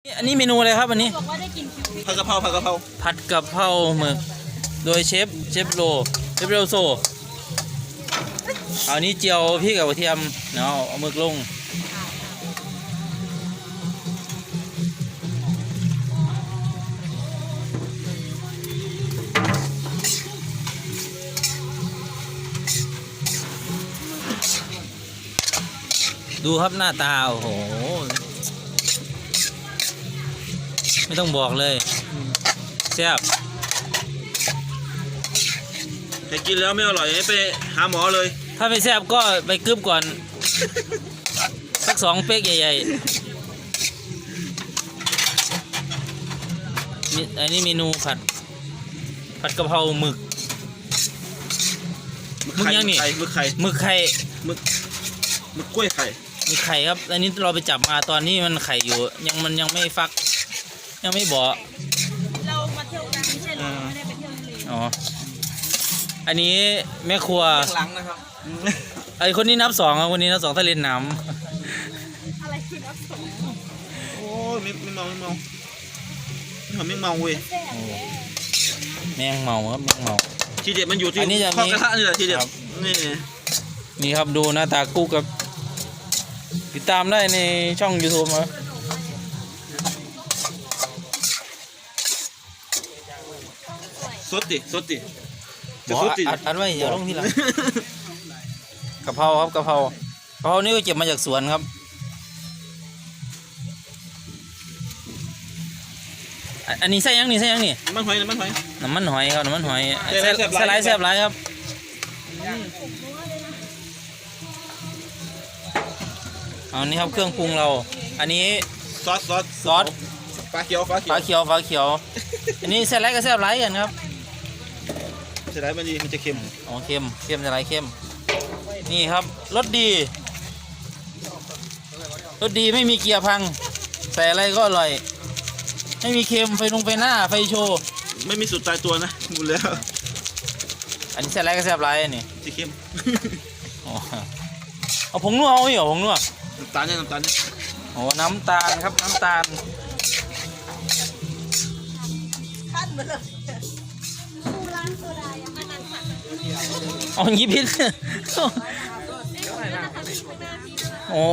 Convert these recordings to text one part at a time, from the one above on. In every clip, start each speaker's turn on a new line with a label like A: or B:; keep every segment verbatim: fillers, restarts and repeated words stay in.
A: อันนี้เมนูอะไรครับอันนี้
B: ผัดกะเพราผัดกะเพรา
A: ผัดกะเพราหมึกโดยเชฟเชฟโรเชฟโรโซเอานี้เจียวพริกกับกระเทียมเนาะเอาหมึกลงดูครับหน้าตาโอ้โหไม่ต้องบอกเลยแซ่บ
B: แต่กินแล้วไม่อร่อยไปหาหมอเลย
A: ถ้าไม่แซ่บก็ไปกึบก่อนสักสองเป๊กใหญ่ๆอันนี้เมนูผัดผัดกะเพราหมึกหมึกยังนี่
B: หมึกไข่
A: หมึกไข่
B: หมึกหมึกกล้วยไข่
A: มีไข่ครับอันนี้เราไปจับมาตอนนี้มันไข่อยู่ยังมันยังไม่ฟักยังไม่บ่
C: เรามาเที่ยวกันไม่ใช่หรอไม่ได้ไปเที่ยวทะเล
A: อ๋ออันนี้แม่ครัว
B: หลังนะครับ
A: ไอคนนี้นับสองครับคนนี้นับสองถ้าเล่นน้
C: ำอะไรคือนับสอง
B: โอ้ยไม่ไม่เมาไม่เมาไม่เมาเว้ย
A: แมงเมาครับแมงเมา
B: ทีเด็ดมันอยู่ที่ข้อกระทะนี่แหละทีเด็ดนี่
A: นี่ครับดูหน้าตากู้กับติดตามได้ในช่อง ยูทูบ มา
B: สดดิสดดิ
A: จะสดดิอัดไว้อย่าลงที่หลังกะเพราครับกะเพรากะเพรานี่ก็เก็บมาจากสวนครับอันนี้ใส่ยังนี่ใส่ยังนี่
B: น้ำมันหอยน้ำมันหอย
A: น้ำมันหอยครับน้ำมันหอยใส่ไรแซ่บไรครับเอานี่ครับเครื่องปรุงเราอันนี้
B: ซอสซอส
A: ซอส
B: ฟ้าเขียวฟ้าเขียว
A: ฟ้าเขียวฟ้าเขียวอันนี้แซ่บไรก็แซ่บไรกันครับ
B: แซ่บไรมันดีมันจะเค็ม
A: อ๋อเค็มเค็มจะไรเค็มนี่ครับรสดีรสดีไม่มีเกียร์พังใส่อะไรก็อร่อยไม่มีเค็มไฟลงไฟหน้าไฟโชว์
B: ไม่มีสูตรตายตัวนะหมดแล้ว
A: อันนี้แซ่บไรก็แซ่บไรนี่
B: จะเค็ม
A: เอาผงนัวเอาไม่เหรอผงนัว
B: น้ำตาลเนี่ยน้ำตาลเนี่ย
A: โอ้น้ำตาลครับน้ำตาล
C: ขั้นมาเลยผู้ร้านโซดายังไม่นั่งผัด
A: อ๋อยิบพิษโอ้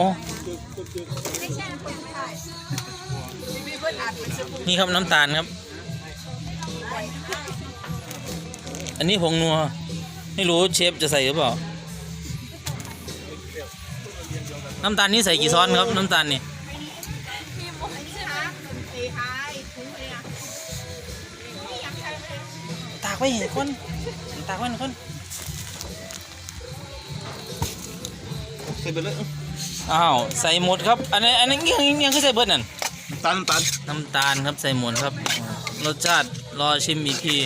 A: นี่ครับน้ำตาลครับอันนี้ผงนัวไม่รู้เชฟจะใส่หรือเปล่าน้ำตาลนี่ใส่กี่ช้อนครับน้ำตาลนี่ตากไว้เห็นคนตากไว้เห็นคน
B: ใส่เบิร์ดเลย
A: อ้าวใส่หมดครับอันนี้อันนี้ยังยังคือใส่เบิร์ดนั่น
B: น้ำตาลน้ำตาล
A: น้ำตาลครับใส่หมดครับรสชาติรอชิมอีกที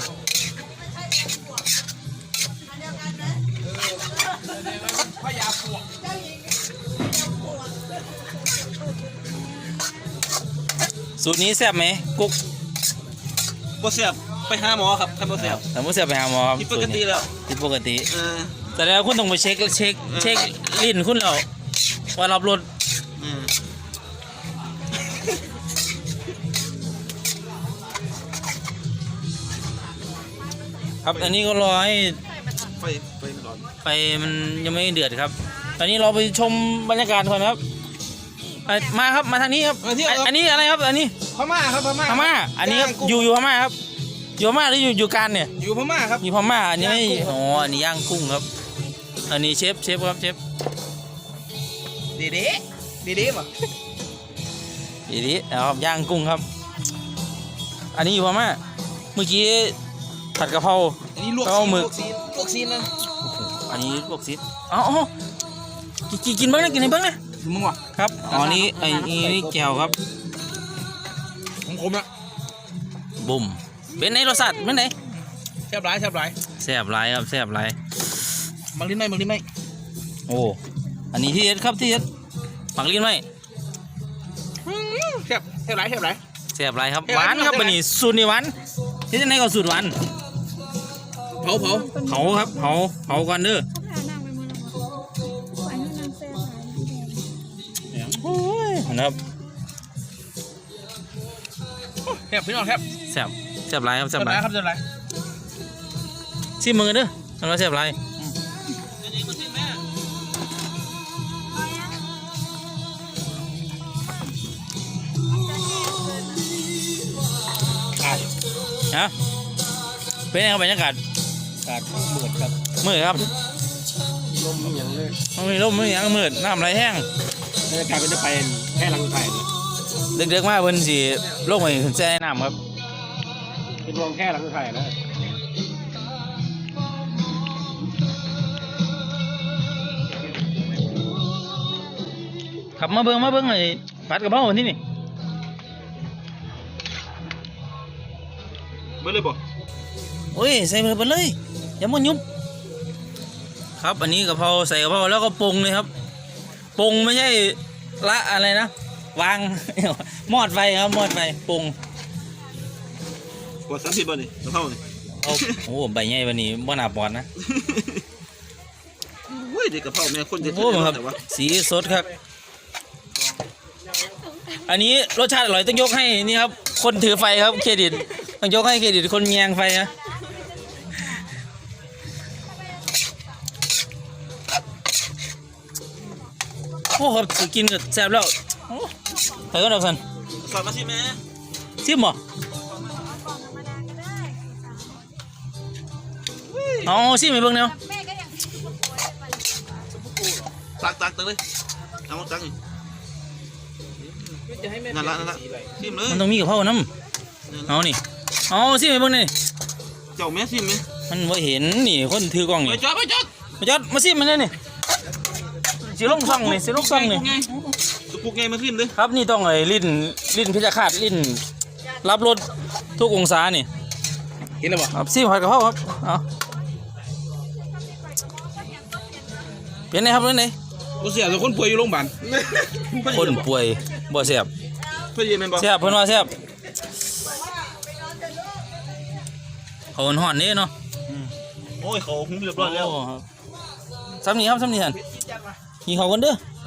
A: สูตรนี้แซ่บไหมกุ๊ก
B: บ่แซ่บไปหาหมอครับถ้าบ่แซ่บ
A: ถ้าบ่แซ่บไปหาหมอครับ
B: ที่ปกติแล้ว
A: ที่ปกติแต่แล้วคุณต้องไปเช็คเช็คเช็คลิ้นคุณแล้วว่ารับรสครับอันนี้ก็รอให้
B: ไฟไฟมันร้อน
A: ไฟมันยังไม่เดือดครับตอนนี้เราไปชมบรรยากาศก่อนครับมาครับมาทางนี้ครับอันนี้อะไรครับอันนี้
B: พม่าครับพม่า
A: พม่าอันนี้ครับอยู่อยู่พม่าครับอยู่พม่าหรืออยู่อยู่การเนี่ย
B: อยู่พม่าครับ
A: อยู่พม่าอันนี้ไม่อ๋ออันนี้ย่างกุ้งครับอันนี้เชฟเชฟครับเชฟ
B: ดีดีดีดีป่ะ
A: ดีดีครับย่างกุ้งครับอันนี้อยู่พม่าเมื่อกี้ผัดกะเพรา
B: อันนี้ลวก
A: หมึก
B: ลวกซีนนะ
A: อันนี้ลวกซีนอ๋อกินกินบ้างนะกินให้บ้างนะ
B: มึงวะ
A: ครับอ๋อนี้ไอ้นี่นี่แก้วครับ
B: ของผมอะ
A: บุ่มเป็นไงรสชาติเป็นไง
B: แซ่บหลายแซ่บหลาย
A: แซ่บหลายครับแซ่บหลาย
B: มักลิ้นไหมมักลิ้นไหม
A: โอ้อันนี้ที่เอ็ดครับที่เอ็ดมักลิ้นไหม
B: แซ่บแซ่บหลายแซ่บหลาย
A: แซ่บหลายครับหวานครับบันนี้สูตรนี่หวานที่ไหนก็สูตรหวาน
B: เผาเผา
A: เผาครับเผาเผาก่อนเด้อโอ้ยนะครับ
B: แคบพี่น้องแคบ
A: แซ่บแซ่บหลายครับแซ่
B: เจ้า
A: บห
B: ไร
A: ลาย
B: ครับเจ้าไร
A: ชิมมือเด้อมันว่าแซ่บหลายฮะเป็นไงครับบรรยากาศ
B: กาดมืดครับ
A: มืดครับ
B: ลมอย่างเลย
A: มันมีลมมันมีหยังมืดน้ำไหลแห้ง
B: บรรยากาศก็จะไปแค่ลังไผ่เลย
A: เด็กๆมากเพิ่นสิลงไปขึ้นแช่น้ำครับ
B: เป็นรวมแค่ลังไผ่นะ
A: ขับมาเบิ่งมาเบิ่งไอ้ผัดกะเพราวันที่นี่
B: เมื่อเลยบ่
A: โอ้ยใส่ไปเลยไปเลยอย่ามันยุบครับอันนี้กะเพราใส่กะเพราแล้วก็ปรุงเลยครับปรุงไม่ใช่ละอะไรนะวาง มอดไฟครับมอดไฟปรุง
B: กดสามสิบบ่นี่กระเพรานี่
A: เอาโอ้ใบใหญ่วันนี้บ่น่าปอนนะ
B: โอ้ยเด็กกระเพราแม่คนจะ
A: โอ้ครับ
B: แต่ว่า
A: สีสดครับอันนี้รสชาติอร่อยต้องยกให้นี่ครับคนถือไฟครับเครดิตต้องยกให้เครดิตคนแยงไฟนะโอ้ครับสิกินก็แซ่บแล้วโอ้ไปก็ดอกสัน
B: สอนมาสิแม่
A: ชิมบ่เอาชิมไปเบิ่งแนว
C: แม่ก็ยังกินกับโวยไป
B: ตักตักตักเลยเอาตักนี่นั่นละนั่นละซิมเลย
A: มันต้องมีกับเผาน้ำเอานี่เอาชิมไปเบิ่งนี่
B: เจ้าแม่ซิมไหม
A: มันบ่เห็นนี่คนถือกล้อง
B: ไป
A: นี่
B: จอดไปจอด
A: มาจอดมาซิมมันเลยนี่สิลงซ่องนี่สิลงซ่องนี่
B: สุกุกไงมาซิมเลย
A: ครับนี่ต้องไอ้ลิ้นลิ้นพิจารคาดลิ้นรับรสทุกองศานี่
B: เห็นแล้วบ่
A: ครับซิมผัดกะเพราครับเอาเป็นไงครับเป็นไง
B: กูเสียแต่คนป่วยอยู่โรงพยาบาล
A: คนป่วยบ่แซ่บ
B: เพื่อนยังไงบ่
A: แซ่บเพิ่นว่าแซ่บเขาห่อนๆนี่เนาะ
B: โอ้ยเขาหุ้มเรียบร้อยแล้ว
A: โครับซ้ำนี่ครับซ้ำนี่ท่านกินข้าวกันเด้อ